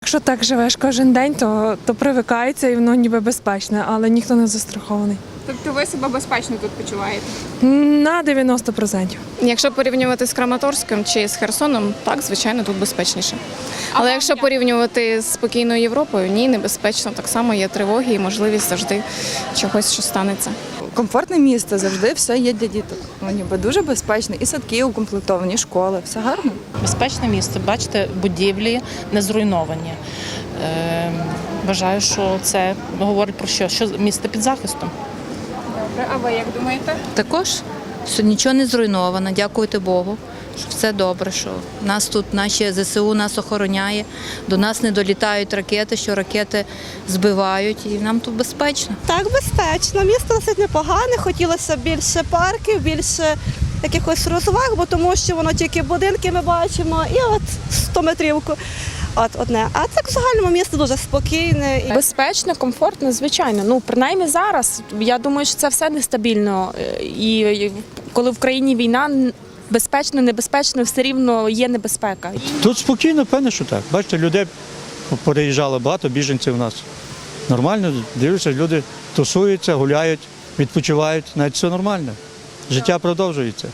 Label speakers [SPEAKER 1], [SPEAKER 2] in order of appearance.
[SPEAKER 1] якщо так живеш кожен день, то привикається і воно ніби безпечне, але ніхто не застрахований.
[SPEAKER 2] Тобто ви себе безпечно тут почуваєте?
[SPEAKER 1] На 90%.
[SPEAKER 3] Якщо порівнювати з Краматорськом чи з Херсоном, так, звичайно, тут безпечніше. Але якщо порівнювати з спокійною Європою, ні, небезпечно. Так само є тривоги і можливість завжди чогось, що станеться.
[SPEAKER 4] Комфортне місто, завжди все є для діток. Ну, ніби дуже безпечно. І садки укомплектовані, школи, все гарно.
[SPEAKER 5] Безпечне місце, бачите, будівлі не зруйновані. Вважаю, що це говорить про що місто під захистом.
[SPEAKER 2] Добре, а ви як думаєте?
[SPEAKER 6] Також що нічого не зруйновано, дякувати Богу, що все добре, що нас тут, наші ЗСУ нас охороняє, до нас не долітають ракети, що ракети збивають, і нам тут безпечно.
[SPEAKER 7] Так, безпечно. Місто досить непогане, хотілося більше парків, більше якихось розваг, бо тому що воно тільки будинки ми бачимо і от 100 метрівку. От одне. А так в загальному місто дуже спокійне.
[SPEAKER 1] Безпечно, комфортно, звичайно. Ну, принаймні зараз, я думаю, що це все нестабільно. І коли в країні війна, безпечно, небезпечно, все рівно є небезпека.
[SPEAKER 8] Тут спокійно, певне, що так. Бачите, людей переїжджало багато, біженців у нас. Нормально, дивлюся, люди тусуються, гуляють, відпочивають, навіть все нормально. Життя продовжується.